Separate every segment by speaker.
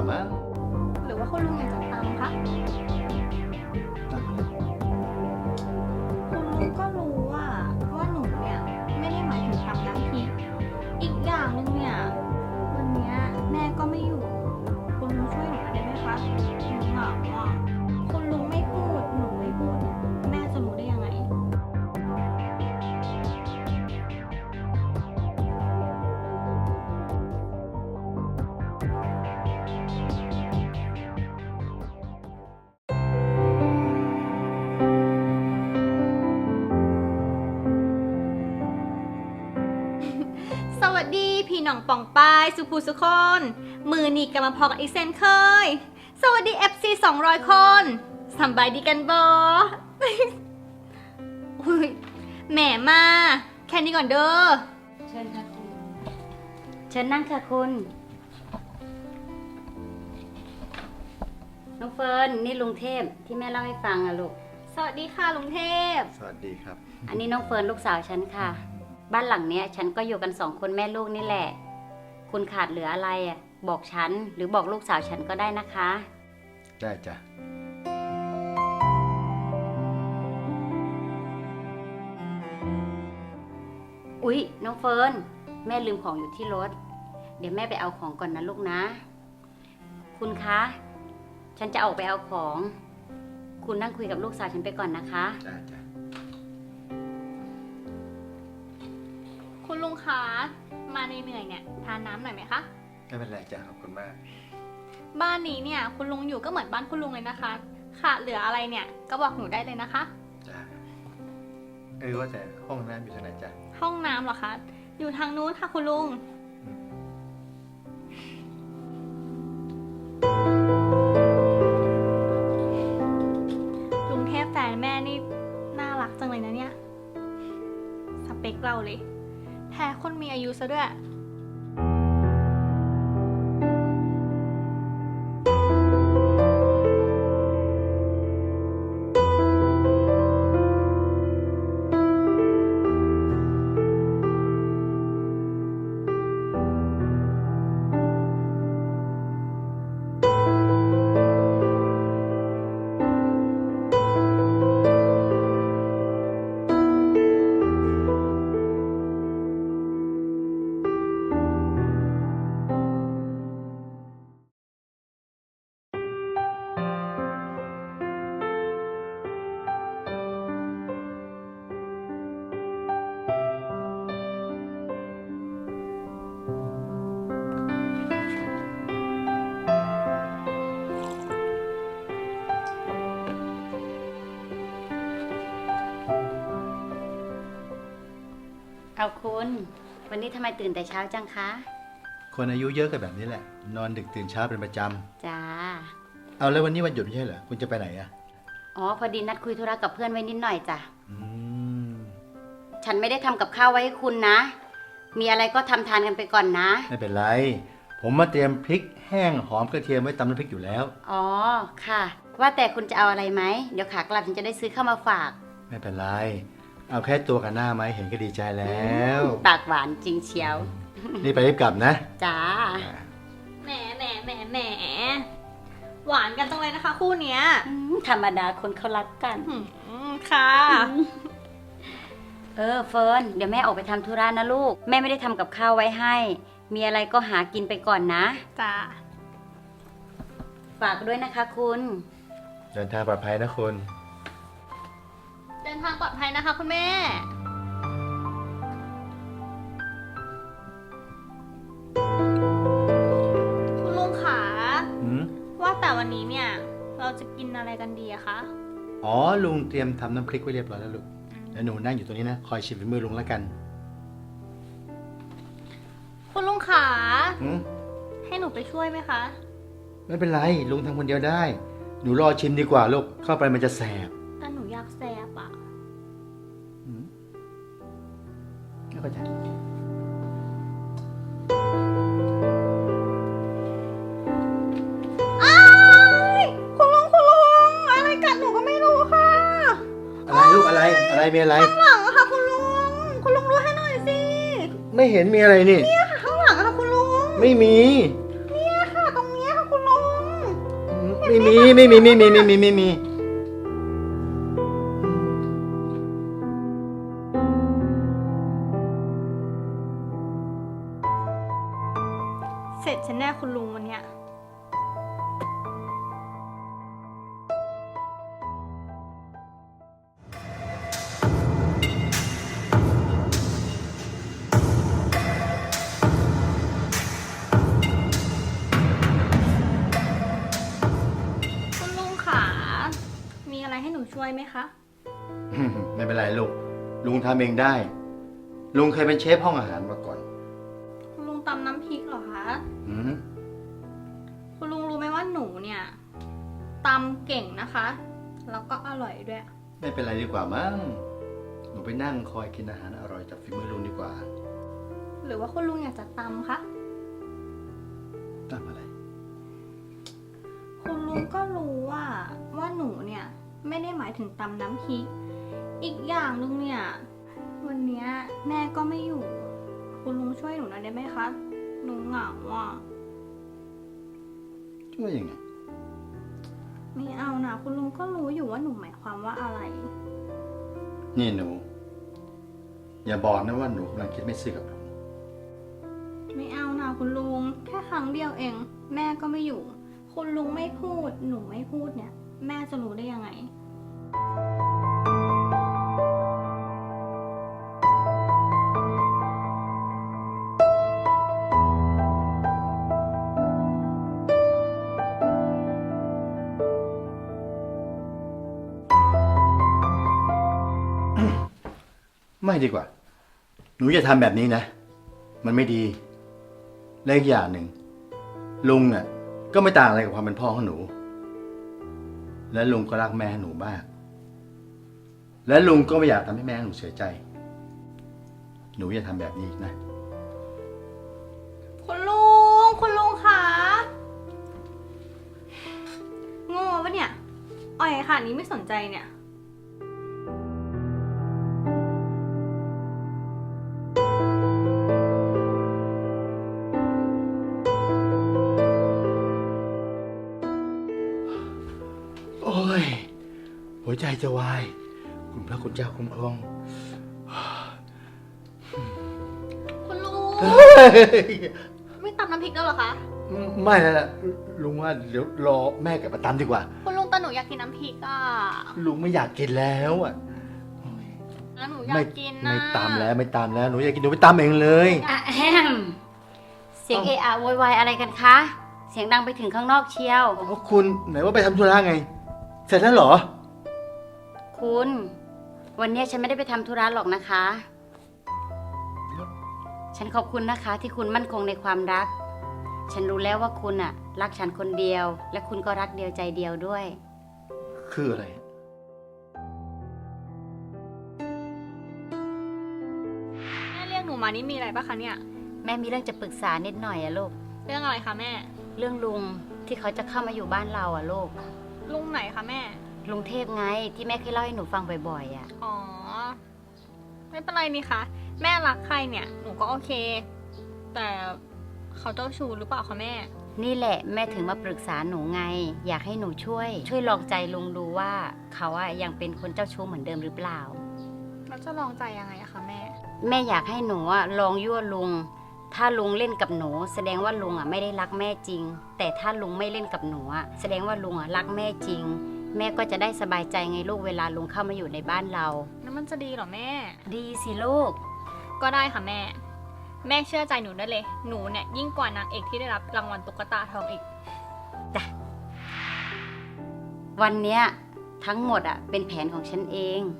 Speaker 1: มั้ง
Speaker 2: หรือว่าคุณลุงอยากจะตำคะคุณลุงก็รู้ว่าหนูเนี่ยไม่ได้หมายถึงตำน้ำพริกอีกอย่างหนึงเนี่ยวันเนี้ยแม่ก็ไม่อยู่คุณลุงช่วยหนูได้ไหมคะหนูเหงาอ่ะคุณลุงไม่พูดหนูไม่พูดแม่จะรู้ได้ยังไง สวัสดีพี่น้องป่องปายสุภูสุคนมือนี่กำลังพอกับอีกเซนเคย สวัสดี FC 200 คนสำบายดีกันบอ อุ้ยแหมมาแค่นี้ก่อนเด้อ
Speaker 3: เชิญค่ะคุณเชิญนั่งค่ะคุณน้องเฟิร์นนี่ลุงเทพที่แม่เล่าให้ฟังอะลูก
Speaker 2: สวัสดีค่ะลุงเทพ
Speaker 1: สวัสดีครับ
Speaker 3: อันนี้น้องเฟิร์นลูกสาวฉันค่ะ บ้านหลังเนี้ยฉันก็อยู่กัน2 คนแม่ลูกนี่แหละ คุณขาดเหลืออะไรอะบอกฉันหรือบอกลูกสาวฉันก็ได้นะคะ
Speaker 1: ได้จ้ะ
Speaker 3: อุ๊ยน้องเฟิร์นแม่ลืมของอยู่ที่รถเดี๋ยวแม่ไปเอาของก่อนนะลูกนะ คุณคะฉันจะออกไปเอาของ คุณนั่งคุยกับลูกสาวฉันไปก่อนนะคะ
Speaker 1: ได้จ้ะ
Speaker 2: คุณลุงคะมาเหนื่อยๆเนี่ยทานน้ำหน่อยไหมคะ
Speaker 1: ไม่เป็นไรจ้ะขอบคุณมาก
Speaker 2: บ้านนี้เนี่ยคุณลุงอยู่ก็เหมือนบ้านคุณลุงเลยนะคะขาดเหลืออะไรเนี่ยก็บอกหนูได้เลยนะคะ
Speaker 1: จ้ะว่าแต่ห้องน้ำอยู่ทางไหนจ้ะ
Speaker 2: ห้องน้ำเหรอคะอยู่ทางนู้นค่ะคุณลุง
Speaker 1: อืม
Speaker 2: ลุงเทพแฟนแม่นี่น่ารักจังเลยนะเนี่ยสเปคเราเลยแท้คนมีอายุซะด้วย
Speaker 3: เอาคุณวันนี้ทำไมตื่นแต่เช้าจังคะ
Speaker 1: คนอายุเยอะกันแบบนี้แหละ นอนดึกตื่นเช้าเป็นประจ
Speaker 3: จ้า
Speaker 1: ำเอาแล้ววันนี้วันหยุดไม่ใช่เหรอ คุณจะไปไหนอ่ะ
Speaker 3: อ๋อพอดีนัดคุยธุระกับเพื่อนไว้นิดหน่อยจ้ะ
Speaker 1: อืม
Speaker 3: ฉันไม่ได้ทำกับข้าวไว้ให้คุณนะ มีอะไรก็ทำทานกันไปก่อนนะ
Speaker 1: ไม่เป็นไร ผมมาเตรียมพริกแห้งหอมกระเทียมไว้ตำน้ำพริกอยู่แล้ว
Speaker 3: อ๋อค่ะ ว่าแต่คุณจะเอาอะไรไหมเดี๋ยวขากลับฉันจะได้ซื้อเข้ามาฝาก
Speaker 1: ไม่เป็นไร เอาแค่ตัวกับหน้าไหมเห็นก็ดีใจแล้ว
Speaker 3: ปากหวานจริงเชียว
Speaker 1: นี่ไปรีบกลับนะ
Speaker 3: จ้า
Speaker 2: แหมหวานกันจังเลยนะคะ คู่เนี้ย
Speaker 3: ธรรมดาคนเขารักกัน
Speaker 2: ค่ะ
Speaker 3: เฟิร์นเดี๋ยวแม่ออกไปทำธุระนะลูก แม่ไม่ได้ทำกับข้าวไว้ให้ มีอะไรก็หากินไปก่อนนะ
Speaker 2: จ้า
Speaker 3: ฝากด้วยนะคะคุณ
Speaker 1: เดินทางปลอดภัยนะคุณ
Speaker 2: เดินทางปลอดภัยนะคะคุณแม่ คุณลุงขา
Speaker 1: อืม
Speaker 2: ว่าแต่วันนี้เนี่ย เราจะกินอะไรกันดีอะคะ
Speaker 1: อ๋อ ลุงเตรียมทำน้ำพริกไว้เรียบร้อยแล้วลูก แล้วหนูนั่งอยู่ตรงนี้นะ คอยชิมฝีมือลุงแล้วกัน
Speaker 2: คุณลุงขา
Speaker 1: อืม
Speaker 2: ให้หนูไปช่วยไหมคะ
Speaker 1: ไม่เป็นไร ลุงทำคนเดียวได้ หนูรอชิมดีกว่าลูก เข้าไปมันจะแสบ
Speaker 2: แต่หนูอยากแซบอะ
Speaker 1: อืมไม่เข้าใจ
Speaker 2: อ้ายคุณลุงอะไรกัดหนูก็ไม่รู้ค่ะ
Speaker 1: อะไรลูกอะไร อะไรมีอะไร
Speaker 2: ข้างหลังอะค่ะคุณลุงดูให้หน่อยสิ
Speaker 1: ไม่เห็นมีอะไรนี่
Speaker 2: เนี่ยค่ะข้างหลังอะค่ะคุณลุง
Speaker 1: ไม่มี
Speaker 2: เนี่ยค่ะตรงเนี้ยค่ะคุณลุง
Speaker 1: ไม่มีไม่มีไม่มีไม่มีไม่มี
Speaker 2: เสร็จฉันแน่คุณลุงวันเนี้ยคุณลุงขามีอะไรให้หนูช่วยไหมคะ
Speaker 1: ไม่เป็นไรลูกลุงทำเองได้ ลุงเคยเป็นเชฟห้องอาหารมาก่อน
Speaker 2: คุณลุงตำน้ำพริกเหรอคะ
Speaker 1: อืม
Speaker 2: คุณลุงรู้ไหมว่าหนูเนี่ยตำเก่งนะคะ แล้วก็อร่อยด้วย
Speaker 1: ไม่เป็นไรดีกว่ามั้งหนูไปนั่งคอยกินอาหารอร่อยจากฝีมือลุงดีกว่า
Speaker 2: หรือว่าคุณลุงอยากจะตำคะ
Speaker 1: ทำอะไร
Speaker 2: คุณลุงก็รู้ว่าหนูเนี่ยไม่ได้หมายถึงตำน้ำพริก อีกอย่างหนึงเนี่ยวันเนี้ยแม่ก็ไม่อยู่ คุณลุงช่วยหนูหน่อยได้ไหมคะหนูเหงาอ่ะ
Speaker 1: ช่วยยังไง
Speaker 2: ไม่เอานะคุณลุงก็รู้อยู่ว่าหนูหมายความว่าอะไร
Speaker 1: นี่หนู อย่าบอกนะว่าหนูกำลังคิดไม่ซื่อกับลุง
Speaker 2: ไม่เอานะคุณลุงแค่ครั้งเดียวเอง แม่ก็ไม่อยู่ คุณลุงไม่พูดหนูไม่พูดเนี่ย แม่จะรู้ได้ยังไง
Speaker 1: ไม่ดีกว่า หนูอย่าทำแบบนี้นะ มันไม่ดีและอีกอย่างหนึ่งลุงน่ะก็ไม่ต่างอะไรกับความเป็นพ่อของหนู และลุงก็รักแม่หนูมาก และลุงก็ไม่อยากทำให้แม่หนูเสียใจ หนูอย่าทำแบบนี้อีกนะ
Speaker 2: คุณลุงคะโง่ปะเนี่ยอ่อยค่ะนี้ไม่สนใจเนี่ย
Speaker 1: โอ้ย หัวใจจะวาย คุณพระคุณเจ้าคุ้มครอง
Speaker 2: คุณลุง
Speaker 1: เฮ้ย
Speaker 2: ไม่ตำน้ำพริกแล้วเหรอคะ
Speaker 1: ไม่แล้วล่ะลุงว่าเดี๋ยวรอแม่กลับมาตำดีกว่า
Speaker 2: คุณลุงแต่หนูอยากกินน้ำพริกอ่ะ
Speaker 1: ลุงไม่อยากกินแล้วอ่ะ
Speaker 2: แล้วหนูอยา
Speaker 1: ไม่
Speaker 2: กกินนะ
Speaker 1: ไม่ตำแล้วไม่ตำแล้วหนูอยากกินหนูไปตำเองเลย
Speaker 3: อะแฮมเสียงเอะอะโวยวายอะไรกันคะ เสียงดังไปถึงข้างนอกเชียว
Speaker 1: เพราะคุณไหนว่าไปทำธุระไง เสร็จแล้วเหรอ
Speaker 3: คุณ วันนี้ฉันไม่ได้ไปทำธุระหรอกนะคะ ฉันขอบคุณนะคะที่คุณมั่นคงในความรัก ฉันรู้แล้วว่าคุณอะรักฉันคนเดียว และคุณก็รักเดียวใจเดียวด้วย
Speaker 1: คืออะไร
Speaker 2: แม่เรียกหนูมานี่มีอะไรปะคะเนี่ย
Speaker 3: แม่มีเรื่องจะปรึกษานิดหน่อยอะลูก
Speaker 2: เรื่องอะไรคะแม่
Speaker 3: เรื่องลุงที่เขาจะเข้ามาอยู่บ้านเราอะลูก
Speaker 2: ลุงไหนคะแม่
Speaker 3: ลุงเทพไงที่แม่เคยเล่าให้หนูฟังบ่อยๆอะ
Speaker 2: อ๋อ ไม่เป็นไรนี่คะแม่รักใครเนี่ยหนูก็โอเค แต่เขาเจ้าชู้หรือเปล่าคะแม่
Speaker 3: นี่แหละแม่ถึงมาปรึกษาหนูไง อยากให้หนูช่วยลองใจลุงดูว่าเขาอะยังเป็นคนเจ้าชู้เหมือนเดิมหรือเปล่า
Speaker 2: เราจะลองใจยังไงอะคะแม่
Speaker 3: แม่อยากให้หนูอะลองยั่วลุง ถ้าลุงเล่นกับหนู แสดงว่าลุงอะไม่ได้รักแม่จริง แต่ถ้าลุงไม่เล่นกับหนูอะแสดงว่าลุงอะรักแม่จริง แม่ก็จะได้สบายใจไงลูกเวลาลุงเข้ามาอยู่ในบ้านเรา
Speaker 2: นั่นมันจะดีเหรอแม่
Speaker 3: ดีสิลูก
Speaker 2: ก็ได้ค่ะแม่ แม่เชื่อใจหนูได้เลย หนูเนี่ยยิ่งกว่านางเอกที่ได้รับรางวัลตุ๊กตาทองอีก
Speaker 3: วันเนี้ยทั้งหมดอะเป็นแผนของฉันเอง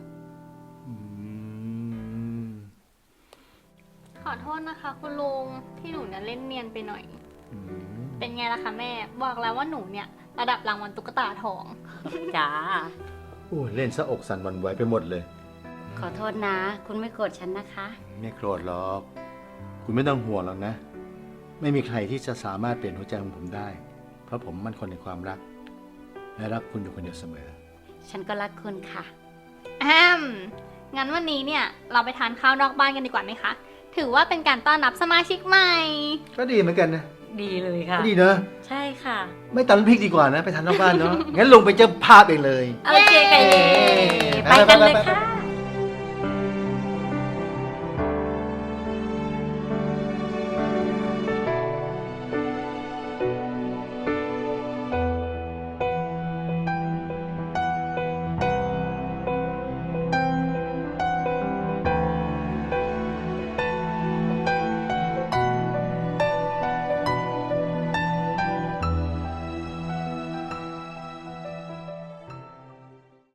Speaker 2: ขอโทษนะคะ คุณลุงที่หนูเนี่ยเล่นเนียนไปหน่อย เป็นไงล่ะคะแม่ บอกแล้วว่าหนูเนี่ยระดับรางวัลตุ๊กตาทอง
Speaker 3: จ้า
Speaker 1: โอ้เล่นซะอกสั่นหวั่นไหวไปหมดเลย
Speaker 3: ขอโทษนะ คุณไม่โกรธฉันนะคะ
Speaker 1: ไม่โกรธหรอก คุณไม่ต้องห่วงหรอกนะ ไม่มีใครที่จะสามารถเปลี่ยนหัวใจของผมได้ เพราะผมมั่นคงในความรัก และรักคุณอยู่คนเดียวเสมอ
Speaker 3: ฉันก็รักคุณค่ะ
Speaker 2: งั้นวันนี้เนี่ยเราไปทานข้าวนอกบ้านกันดีกว่าไหมคะ ถือว่าเป็นการต้อนรับสมาชิกใหม่
Speaker 1: ก็ดีเหมือนกันนะ
Speaker 3: ดีเลยค่ะ
Speaker 1: ดีนะ
Speaker 3: ใช่ค่ะ
Speaker 1: ไม่ตำน้ำพริกดีกว่านะ ไปทานนอกบ้านเนาะ งั้นลงไปนเจ้าภาพเองเลย
Speaker 3: โอเคค่ะ
Speaker 1: เย้
Speaker 3: ไปกันเลยค่ะ